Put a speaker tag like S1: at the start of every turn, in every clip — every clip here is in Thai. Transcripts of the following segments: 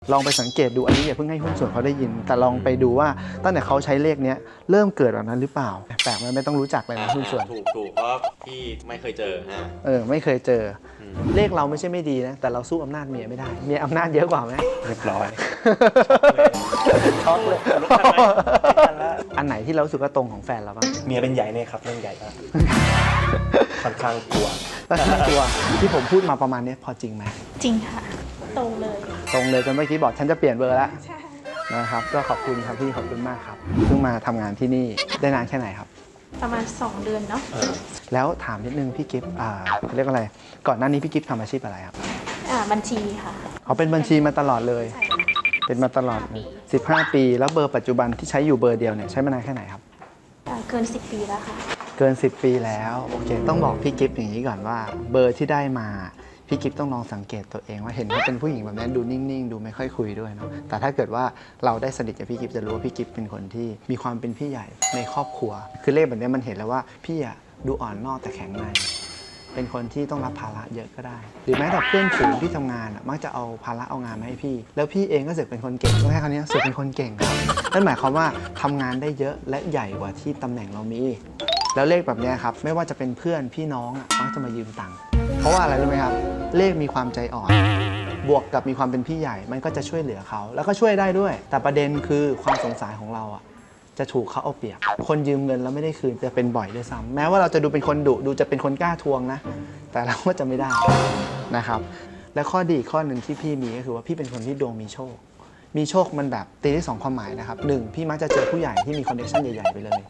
S1: ลองไปสังเกตดูอันนี้อย่าเพิ่งให้หุ้นส่วนเขาได้ยินแต่ลองไปดูว่าตั้งแต่เขาใช้เลขนี้เริ่มเกิดแบบนั้นหรือเปล่าแปลกไหมไม่ต้องรู้จักเลยนะหุ้นส่วน
S2: ถูกเพราะพี่ไม่เคยเจอ
S1: ไม่เคยเจอเลขเราไม่ใช่ไม่ดีนะแต่เราสู้อำนาจเมียไม่ได้เมียอำนาจเยอะกว่าไหม
S3: เรียบร้อย
S1: ช็อกเลยอันไหนที่เราสึกว่าตรงของแฟนเราบ้าง
S3: เมียเป็นใหญ่เนี่ยครับเรื่องใหญ่มากค่อนข้างกลัว
S1: ที่ผมพูดมาประมาณนี้พอจริงไหม
S4: จริงค่ะตรงเลย
S1: จนเมื่อกี้บอกฉันจะเปลี่ยนเบอร์แล้วนะครับก็ขอบคุณครับพี่ขอบคุณมากครับเพิ่งมาทำงานที่นี่ได้นานแค่ไหนครับ
S4: ประมาณ2 เดือนเนาะ
S1: แล้วถามนิดนึงพี่กิฟต์เขาเรียกอะไรก่อนหน้านี้พี่กิฟต์ทำอาชีพอะไรครับ
S4: บัญชีค่ะ
S1: เขาเป็นบัญชีมาตลอดเลยเป็นมาตลอด15 ปีแล้วเบอร์ปัจจุบันที่ใช้อยู่เบอร์เดียวเนี่ยใช้มานานแค่ไหนครับ
S4: เกิน10 ปีแล้วค่ะ
S1: เกิน10 ปีแล้วโอเคต้องบอกพี่กิฟต์อย่างนี้ก่อนว่าเบอร์ที่ได้มาพี่กิฟต์ต้องลองสังเกตตัวเองว่าเห็นว่าเป็นผู้หญิงแบบนั้นดูนิ่งๆดูไม่ค่อยคุยด้วยเนาะแต่ถ้าเกิดว่าเราได้สนิทกับพี่กิฟต์จะรู้ว่าพี่กิฟต์เป็นคนที่มีความเป็นพี่ใหญ่ในครอบครัวคือเลขแบบนี้มันเห็นแล้วว่าพี่อะดูอ่อนนอกแต่แข็งในเป็นคนที่ต้องรับภาระเยอะก็ได้หรือแม้แต่เพื่อนฝูงที่ทำงานมักจะเอาภาระเอางานมาให้พี่แล้วพี่เองก็เสือกเป็นคนเก่งก็แค่คำนี้เสือกเป็นคนเก่งครับนั่นหมายความว่าทำงานได้เยอะและใหญ่กว่าที่ตำแหน่งเรามีแล้วเลขแบบนี้ครับไม่ว่าจะเป็นเพื่อนพี่น้องมักจะมายืมตังค์เพราะว่าอะไรรู้ไหมครับเลขมีความใจอ่อนบวกกับมีความเป็นพี่ใหญ่มันก็จะช่วยเหลือเขาแล้วก็ช่วยได้ด้วยแต่ประเด็นคือความสงสารของเราจะถูกเขาเอาเปรียบคนยืมเงินแล้วไม่ได้คืนจะเป็นบ่อยด้วยซ้ำแม้ว่าเราจะดูเป็นคนดุดูจะเป็นคนกล้าทวงนะแต่เราก็จะไม่ได้นะครับและข้อดีข้อหนึ่งที่พี่มีก็คือว่าพี่เป็นคนที่ดวงมีโชคมันแบบตีได้2 ความหมายนะครับ1พี่มักจะเจอผู้ใหญ่ที่มีคอนเนคชั่นใหญ่ๆไปเลย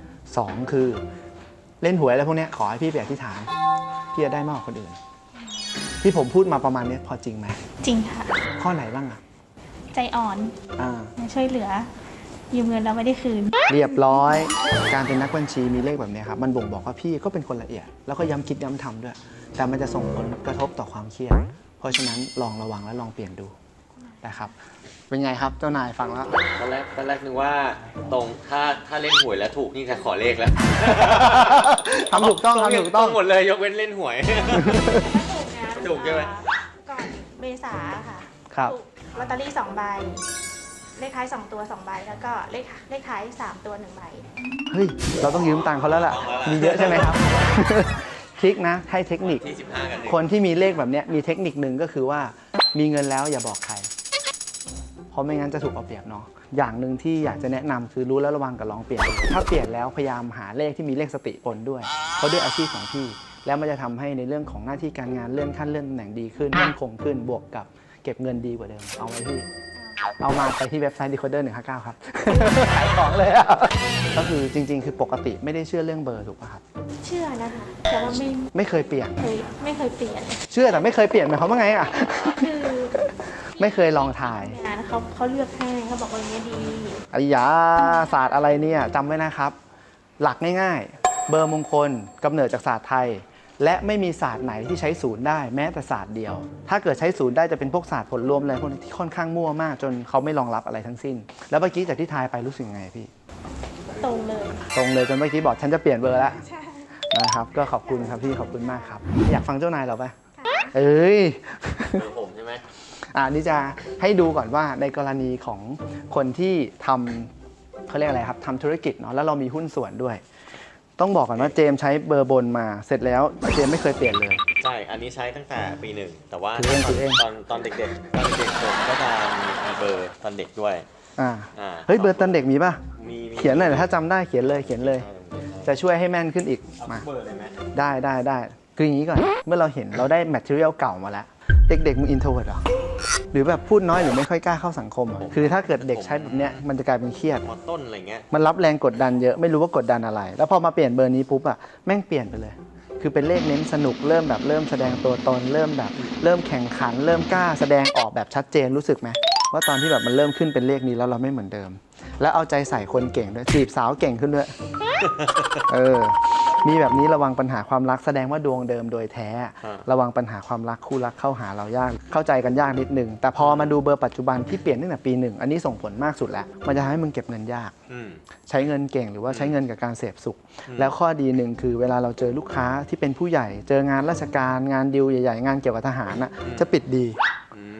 S1: 2คือเล่นหวยอะไรพวกนี้ขอให้พี่ไปอธิษฐานพี่จะได้มากกว่าคนอื่นที่ผมพูดมาประมาณนี้พอจริงไหม
S4: จริงค่ะ
S1: ข้อไหนบ้าง
S4: ใจอ่อนช่วยเหลือยืมเงินเราไม่ได้คืน
S1: เรียบร้อยการเป็นนักบัญชีมีเลขแบบนี้ครับมันบ่งบอกว่าพี่ก็เป็นคนละเอียดแล้วก็ย้ำคิดย้ำทำด้วยแต่มันจะส่งผลกระทบต่อความเครียดเพราะฉะนั้นลองระวังและลองเปลี่ยนดูนะครับเป็นไงครับเจ้านายฟังแล้ว
S2: ตอนแรกนึกว่าตรงถ้าเล่นหวยแล้วถูกนี่จะขอเลขแล้ว
S1: ทำถูกต้อง
S2: หมดเลยยกเว้นเล่นหวยถูกใช่ไหม
S4: ก่อนเมษาค่ะ
S1: ครับ
S4: ลอตเตอรี่2 ใบเลขท้าย2 ตัว2 ใบแล้วก็เลขท้าย3 ตัว1 ใบ
S1: เฮ้ยเราต้องยืมตังค์เขาแล้วล่ะมีเยอะใช่ไหมครับทริคนะให้เทคนิคคนที่มีเลขแบบนี้มีเทคนิคหนึ่งก็คือว่ามีเงินแล้วอย่าบอกใครเพราะไม่งั้นจะถูกเอาเปรียบเนาะอย่างหนึ่งที่อยากจะแนะนำคือรู้แล้วระวังกับลองเปลี่ยนถ้าเปลี่ยนแล้วพยายามหาเลขที่มีเลขสติปนด้วยเพราะด้วยอาชีพของพี่แล้วมันจะทำให้ในเรื่องของหน้าที่การงานเลื่อนขั้นเลื่อนตำแหน่งดีขึ้นมั่นคงขึ้นบวกกับเก็บเงินดีกว่าเดิมเอาไว้พี่เอามาไปที่เว็บไซต์ Decoder 159ครับขายของเลยก็คือจริงๆคือปกติไม่ได้เชื่อเรื่องเบอร์ถูกป่ะครับ
S4: เชื่อนะคะแต่ว่า
S1: ไม่เคยเปลี่ยน
S4: ไม่เคยเปลี่ยน
S1: เชื่อแต่ไม่เคยเปลี่ยนหมายความว่าไง
S4: คือ
S1: ไม่เคยลองถ่าย
S4: เขาเลือกให้เขาบอกว่าอย่างนี้ดี
S1: ไอ้ยาศาสตร์อะไรเนี่ยจำไว้นะครับหลักง่ายๆเบอร์มงคลกำเนิดจากศาสตร์ไทยและไม่มีศาสตร์ไหนที่ใช้ศูนย์ได้แม้แต่ศาสตร์เดียวถ้าเกิดใช้ศูนย์ได้จะเป็นพวกศาสตร์ผลรวมอะไรพวกนี้ที่ค่อนข้างมั่วมากจนเขาไม่รองรับอะไรทั้งสิ้นแล้วเมื่อกี้จากที่ทายไปรู้สึกไงพี่
S4: ตรงเลย
S1: จนเมื่อกี้บอกฉันจะเปลี่ยนเบอร์แล้วนะครับก็ขอบคุณครับพี่ขอบคุณมากครับอยากฟังเจ้านายเราไหมเอ้ย
S2: ผมใช่ไหม
S1: นี่จะให้ดูก่อนว่าในกรณีของคนที่ทำเขาเรียกอะไรครับทำธุรกิจเนาะแล้วเรามีหุ้นส่วนด้วยต้องบอกก่อนว่าเจมใช้เบอร์บนมาเสร็จแล้วเจมไม่เคยเปลี่ยนเลย
S2: ใช่อันนี้ใช้ตั้งแต่ปี 1แต่ว่าตอนเด็กผมก็จะมีเบอร์ตอนเด็กด้วย
S1: เฮ้ยเบอร์ตอนเด็กมีป่ะเขียนหน่อยถ้าจำได้เขียนเลยจะช่วยให้แม่นขึ้นอีกมาได้คืออย่างนี้ก่อนเมื่อเราเห็นเราได้แมทเทอเรียลเก่ามาแล้วเด็กๆมึงอินโทรเวิร์ตหรอหรือแบบพูดน้อยหรือไม่ค่อยกล้าเข้าสังคมคือถ้าเกิดเด็กใช้แบบเนี้ยมันจะกลายเป็นเครียด
S2: ต้นอะไรเงี้ย
S1: มันรับแรงกดดันเยอะไม่รู้ว่ากดดันอะไรแล้วพอมาเปลี่ยนเบอร์นี้ปุ๊บแม่งเปลี่ยนไปเลยคือเป็นเลขเน้นสนุกเริ่มแสดงตัวตนเริ่มแข่งขันเริ่มกล้าแสดงออกแบบชัดเจนรู้สึกไหมว่าตอนที่แบบมันเริ่มขึ้นเป็นเลขนี้แล้วเราไม่เหมือนเดิมแล้วเอาใจใส่คนเก่งด้วยจีบสาวเก่งขึ้นด้วยมีแบบนี้ระวังปัญหาความรักแสดงว่าดวงเดิมโดยแท้ระวังปัญหาความรักคู่รักเข้าหาเรายากเข้าใจกันยากนิดนึงแต่พอมาดูเบอร์ปัจจุบันที่เปลี่ยนตั้งแต่ปี 1อันนี้ส่งผลมากสุดแล้วมันจะทำให้มึงเก็บเงินยากใช้เงินเก่งหรือว่าใช้เงินกับการเสพสุขแล้วข้อดีหนึ่งคือเวลาเราเจอลูกค้าที่เป็นผู้ใหญ่เจองานราชการงานดีลใหญ่ๆงานเกี่ยวกับทหารจะปิดดี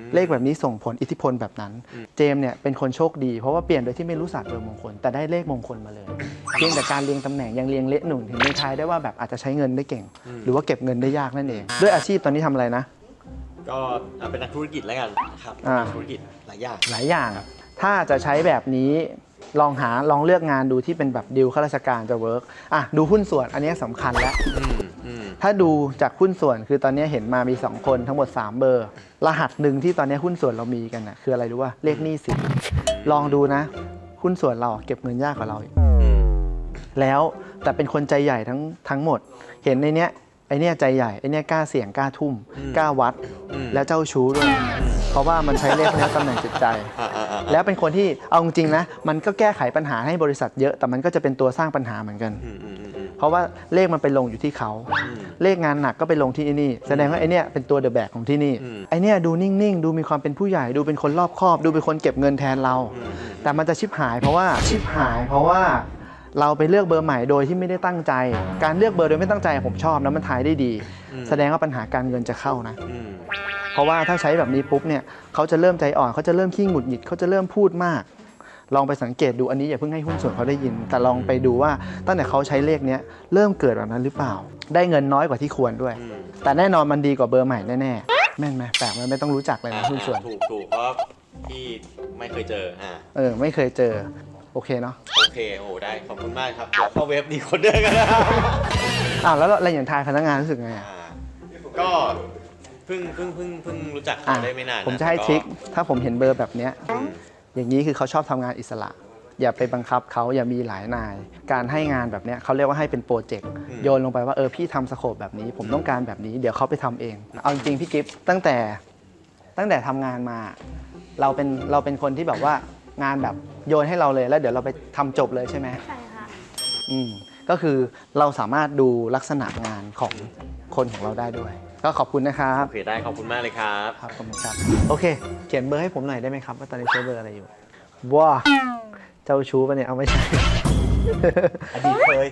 S1: เลขแบบนี้ส่งผลอิทธิพลแบบนั้นเจมส์เนี่ยเป็นคนโชคดีเพราะว่าเปลี่ยนโดยที่ไม่รู้ศาสตร์เบอร์มงคลแต่ได้เลขมงคลมาเลยเพียงแต่การเรียงตำแหน่งยังเรียงเละหนุ่งถึงในทายได้ว่าแบบอาจจะใช้เงินได้เก่งหรือว่าเก็บเงินได้ยากนั่นเองด้วยอาชีพตอนนี้ทำอะไรนะ
S2: ก็เป็นนักธุรกิจแล้วกันครับธุรกิจหลายอย่าง
S1: ถ้าจะใช้แบบนี้ลองเลือกงานดูที่เป็นแบบดีลข้าราชการจะเวิร์กดูหุ้นส่วนอันนี้สำคัญแล้วถ้าดูจากหุ้นส่วนคือตอนนี้เห็นมามี2คนทั้งหมด3เบอร์รหัสหนึ่งที่ตอนนี้หุ้นส่วนเรามีกันนะคืออะไรรู้ว่าเลขหนี้สินลองดูนะหุ้นส่วนเราเก็บเงินยากกว่าเราแล้วแต่เป็นคนใจใหญ่ทั้งหมดเห็นในเนี้ยไอเนี้ยใจใหญ่ไอเนี้ยกล้าเสี่ยงกล้าทุ่มกล้าวัดแล้วเจ้าชู้ด้วยเพราะว่ามันใช้เลขนี้ตำแหน่งจิตใจแล้วเป็นคนที่เอาจริงๆนะมันก็แก้ไขปัญหาให้บริษัทเยอะแต่มันก็จะเป็นตัวสร้างปัญหาเหมือนกันเพราะว่าเลขมันไปลงอยู่ที่เขาเลขงานหนักก็ไปลงที่นี่แสดงว่าไอเนี้ยเป็นตัวเดอะแบกของที่นี่ไอเนี้ยดูนิ่งๆดูมีความเป็นผู้ใหญ่ดูเป็นคนรอบคอบดูเป็นคนเก็บเงินแทนเราแต่มันจะชิบหายเพราะว่าเราไปเลือกเบอร์ใหม่โดยที่ไม่ได้ตั้งใจการเลือกเบอร์โดยไม่ตั้งใจผมชอบนะมันทายได้ดีแสดงว่าปัญหาการเงินจะเข้านะเพราะว่าถ้าใช้แบบนี้ปุ๊บเนี่ยเขาจะเริ่มใจอ่อนเขาจะเริ่มขี้หงุดหงิดเขาจะเริ่มพูดมากลองไปสังเกตดูอันนี้อย่าเพิ่งให้หุ้นส่วนเขาได้ยินแต่ลองไปดูว่าตั้งแต่เขาใช้เลขนี้เริ่มเกิดแบบนั้นหรือเปล่าได้เงินน้อยกว่าที่ควรด้วยแต่แน่นอนมันดีกว่าเบอร์ใหม่แน่ๆแม่นไหมแปลกมันไม่ต้องรู้จักเลยนะหุ้นส่วน
S2: ถูกเพราะที่ไม่เคยเจอ
S1: ไม่เคยเจอโอเคเนาะ
S2: โอเคโอ้ได้ขอบคุณมากครับเข้าเว็บดีคนเดินกันนะ
S1: แล้วอะไรอย่างทายพนักงานรู้สึกไง
S2: ก็เพิ่งรู้จักเขาได้ไม่นาน
S1: ผมจะให้ทริคถ้าผมเห็นเบอร์แบบนี้อย่างนี้คือเขาชอบทำงานอิสระอย่าไปบังคับเขาอย่ามีหลายนายการให้งานแบบนี้เขาเรียกว่าให้เป็นโปรเจกต์โยนลงไปว่าพี่ทำสโคปแบบนี้ผมต้องการแบบนี้เดี๋ยวเขาไปทำเองเอาจริงพี่กิฟต์ตั้งแต่ทำงานมาเราเป็นคนที่แบบว่างานแบบโยนให้เราเลยแล้วเดี๋ยวเราไปทำจบเลยใช่ไหม
S4: ใช่ค่ะ
S1: ก็คือเราสามารถดูลักษณะงานของคนของเราได้ด้วยก็ขอบคุณนะครับ
S2: โอเคได้ขอบคุณมากเลยครับ
S1: ขอบคุณครับโอเคเขียนเบอร์ให้ผมหน่อยได้ไหมครับว่าตอนนี้ใช้เบอร์อะไรอยู่ว้าเจ้าชู้ปะเนี่ยเอาไม่ใช่
S3: อดีตเคย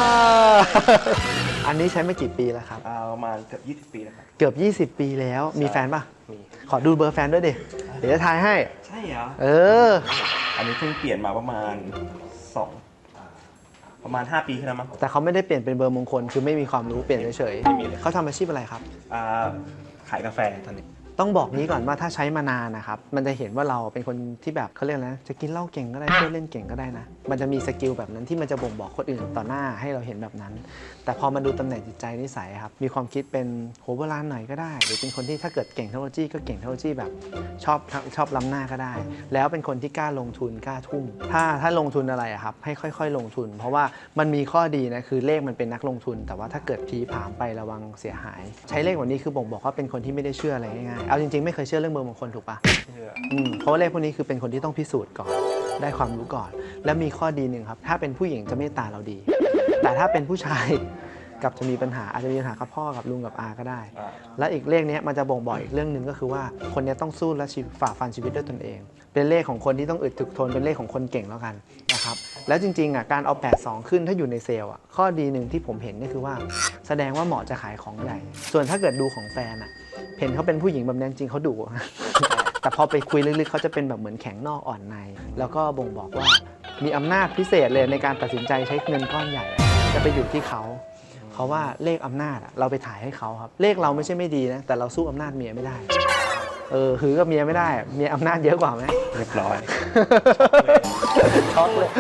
S1: อันนี้ใช้ไม่กี่ปีแล้วครับ
S3: ประมาณเกือบ20 ปีแล้วครับ
S1: เกือบ20 ปีแล้วมีแฟนป่ะมีขอดูเบอร์แฟนด้วยดิเดี๋ยวจะทายให้
S3: ใช่เหรออันนี้เพิ่งเปลี่ยนมาประมาณ5 ปีขึ้นแล้วมั้ง
S1: แต่เขาไม่ได้เปลี่ยนเป็นเบอร์มงคลคือไม่มีความรู้เปลี่ยนเฉยๆเขาทำอาชีพอะไรครับ
S3: ขายกาแฟตอนนี้
S1: ต้องบอกนี้ก่อนว่าถ้าใช้มานานนะครับมันจะเห็นว่าเราเป็นคนที่แบบเขาเรียกนะจะกินเหล้าเก่งก็ได้เที่ยวเล่นเก่งก็ได้นะมันจะมีสกิลแบบนั้นที่มันจะบ่งบอกคนอื่นต่อหน้าให้เราเห็นแบบนั้นแต่พอมาดูตำแหน่งจิตใจนิสัยครับมีความคิดเป็นโหโบราณหน่อยก็ได้หรือเป็นคนที่ถ้าเกิดเก่งเทคโนโลยีก็เก่งเทคโนโลยีแบบชอบล้ำหน้าก็ได้แล้วเป็นคนที่กล้าลงทุนกล้าทุ่มถ้าลงทุนอะไรครับให้ค่อยๆลงทุนเพราะว่ามันมีข้อดีนะคือเลขมันเป็นนักลงทุนแต่ว่าถ้าเกิดผีผามไประวังเสียหายใช้เลขแบบนี้คือบ่งบอกว่าเป็นคนที่ไม่ได้เชื่ออะไรง่ายๆเอาจริงๆไม่เคยเชื่อเรื่องเบอร์มงคลถูกปะเพราะว่าเลขพวกนี้คือเป็นคนที่ต้องพิสูจน์ก่อนได้ความรู้ก่อนและมีข้อดีหนึ่งครับถ้าเป็นผู้หญิงจะเมตตาเราดีแต่ถ้าเป็นผู้ชายกับจะมีปัญหาอาจจะมีปัญหากับพ่อกับลุงกับอาก็ได้และอีกเลขนี้มันจะบ่งบอกอีกเรื่องหนึ่งก็คือว่าคนนี้ต้องสู้และฝ่าฟันชีวิตด้วยตนเองเป็นเลขของคนที่ต้องอึดถึกทนเป็นเลขของคนเก่งแล้วกันนะครับแล้วจริงๆการเอา82ขึ้นถ้าอยู่ในเซลล์ข้อดีหนึ่งที่ผมเห็นก็คือว่าแสดงว่าเหมาะจะขายของใหญ่ส่วนถ้าเกิดดูของแฟนเห็นเขาเป็นผู้หญิงแบบนั้นจริงเขาดุแต่พอไปคุยลึกๆเขาจะเป็นแบบเหมือนแข็งนอกอ่อนในแล้วก็บ่งบอกว่ามีอำนาจพิเศษเลยในการตัดสินใจใช้เงินก้อนใหญ่จะไปอยู่ที่เขาเพราะว่าเลขอำนาจเราไปถ่ายให้เขาครับเลขเราไม่ใช่ไม่ดีนะแต่เราสู้อำนาจเมียไม่ได้หือกับเมียไม่ได้เมียอำนาจเยอะกว่าไหม
S3: เรียบร้อย
S1: ช็อกเลย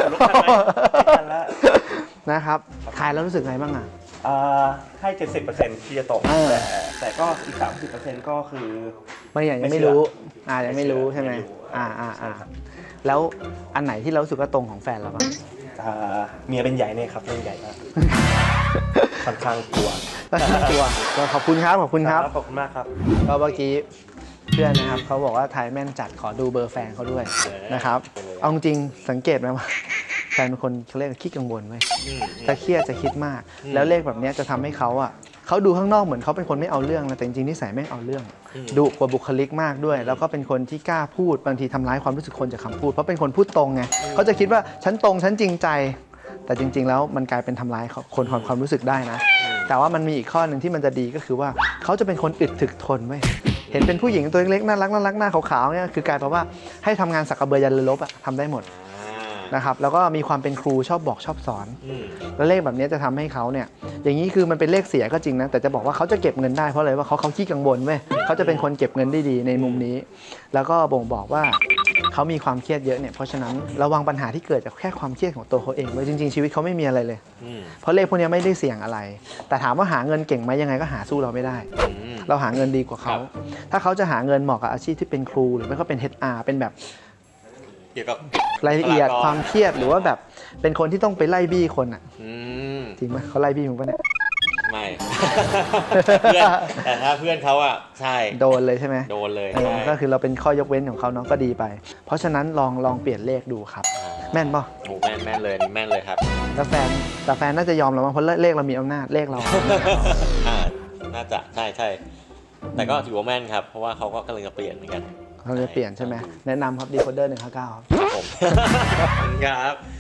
S1: นะครับถ่ายแล้วรู้สึกไงบ้าง
S3: ให้ 70% ที่จะตกแต่ก็อีก 30% ก็คือ
S1: ไม่ยังไม่รู้ยังไม่รู้ใช่ไหมแล้วอันไหนที่เรารู้สึกว่าตรงของแฟนเราบ้าง
S3: เมียเป็นใหญ่เนี่ยครับเรื่องใหญ่มากค่อนข้างกลัว
S1: ขอบคุณครับขอบคุณครับ
S3: ขอบคุณมากครับ
S1: ก็เมื่อกี้เพื่อนนะครับเขาบอกว่าทายแม่นจัดขอดูเบอร์แฟนเขาด้วยนะครับเอาจริงสังเกตไหมว่าแฟนเป็นคนเขาเรียกขี้กังวลไหมถ้าเครียดจะคิดมากแล้วเลขแบบนี้จะทำให้เขาดูข้างนอกเหมือนเขาเป็นคนไม่เอาเรื่องนะแต่จริงๆนิสัยแม่งเอาเรื่องดุกว่าบุคลิกมากด้วยแล้วก็เป็นคนที่กล้าพูดบางทีทำร้ายความรู้สึกคนจากคำพูดเพราะเป็นคนพูดตรงไงเขาจะคิดว่าฉันตรงฉันจริงใจแต่จริงๆแล้วมันกลายเป็นทำร้ายคนความรู้สึกได้นะแต่ว่ามันมีอีกข้อหนึ่งที่มันจะดีก็คือว่าเขาจะเป็นคนอึดถึกทนไว้เห็นเป็นผู้หญิงตัวเล็กๆน่ารักน่ารักหน้าขาวๆเนี่ยคือกลายเป็นว่าให้ทำงานสักกระเบือยันเรือรบอะทำได้หมดนะครับแล้วก็มีความเป็นครูชอบบอกชอบสอน แล้วเลขแบบนี้จะทำให้เขาเนี่ยอย่างนี้คือมันเป็นเลขเสียก็จริงนะแต่จะบอกว่าเขาจะเก็บเงินได้เพราะอะไรว่าเขาขี้กังวลเว้ยเขาจะเป็นคนเก็บเงินได้ดีในมุมนี้ แล้วก็บ่งบอกว่าเขามีความเครียดเยอะเนี่ยเพราะฉะนั้นระวังปัญหาที่เกิดจากแค่ความเครียดของตัวเขาเองไว้จริงๆชีวิตเขาไม่มีอะไรเลยเพราะเลขพวกนี้ไม่ได้เสี่ยงอะไร แต่ถามว่าหาเงินเก่งไหมยังไงก็หาสู้เราไม่ได้ เราหาเงินดีกว่าเขาถ้าเขาจะหาเงินเหมาะกับอาชีพที่เป็นครูหรือไม่ก็เป็น HR เป็นแบบ
S2: เกี่ยวกับ
S1: รายละเอียดความเครียดหรือว่าแบบเป็นคนที่ต้องไปไล่บี้คนอ่ะจริงไหมเขาไล่บี้มึงปะเนี่ย
S2: ไม่ เพื่อนแต่ถ้าเพื่อนเขาอ่ะใช่
S1: โดนเลยใช่ไหม
S2: โดนเลย
S1: ก็คือเราเป็นข้อยกเว้นของเขาเนาะก็ดีไปเพราะฉะนั้นลองเปลี่ยนเลขดูครับแม่นป่ะ
S2: โอ้แม่นเลยนี่แม่นเลยครับ
S1: แต่แฟนน่าจะยอมเราเพราะเลขเรามีอำนาจเลขเรา
S2: น่าจะใช่แต่ก็ถือว่าแม่นครับเพราะว่าเขาก็กำลังจะเปลี่ยนเหมือนกัน
S1: เขาจะเปลี่ยนใช่ไหมแนะนำครับ Decoder 159ครับ
S2: ผมครับ